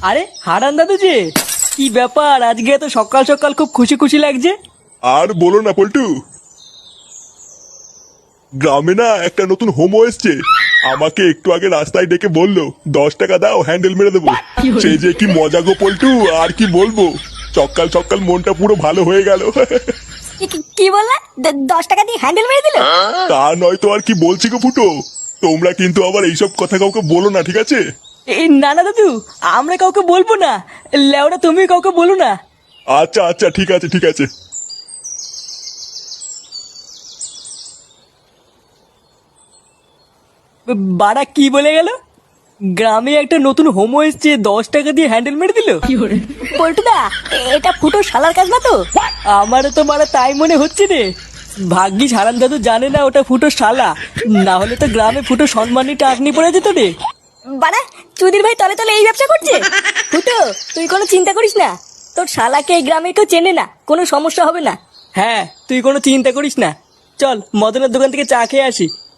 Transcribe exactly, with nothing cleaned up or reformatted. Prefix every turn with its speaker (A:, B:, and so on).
A: আরে হারান দাদু যে, কি ব্যাপার আজকে এত সকাল সকাল খুব খুশি খুশি লাগছে?
B: আর বলো না পল্টু, গ্রামে না একটা নতুন হোমো এসছে। আমাকে একটু আগে রাস্তায় ডেকে বললো দশ টাকা দাও হ্যান্ডেল মেরে দেবো। সেই যে কি মজা গো পল্টু, আর কি বলবো। সকাল সকাল মনটা পুরো ভালো হয়ে গেল।
C: কি- কি- কি বললা? দ- দশ টাকা দিয়ে হ্যান্ডেল মেরে দিল?
B: তা নয় তো আর কি বলছি গো ফুটো। তোমরা কিন্তু আবার এইসব কথা কাউকে বলো না, ঠিক আছে?
A: এই না না দাদু, আমরা কাউকে বলবো না। লেওরা তুমি কাউকে বলো না।
B: আচ্ছা আচ্ছা ঠিক আছে ঠিক আছে।
A: বাড়া কি বলে গেল? গ্রামে একটা নতুন হোমো এসছে, দশ টাকা দিয়ে হ্যান্ডেল মেরে দিল।
C: পল্টুদা, এটা ফুটো শালার কাজ না তো?
A: আমারও তো মারা তাই মনে হচ্ছে রে। ভাগ্যিস হারান দাদু জানে না ওটা ফুটো শালা, না হলে তো গ্রামে ফুটো সম্মানী টাকনি পড়ে যেত রে।
C: বাড়া, চুদির ভাই তলে তলে এই ব্যবসা করছে। ফুটো, তুই কোনো চিন্তা করিস না, তোর শালাকে এই গ্রামে কেউ চেনে না, কোনো সমস্যা হবে না।
A: হ্যাঁ, তুই কোনো চিন্তা করিস না। চল মদনের দোকান থেকে চা খেয়ে আসি।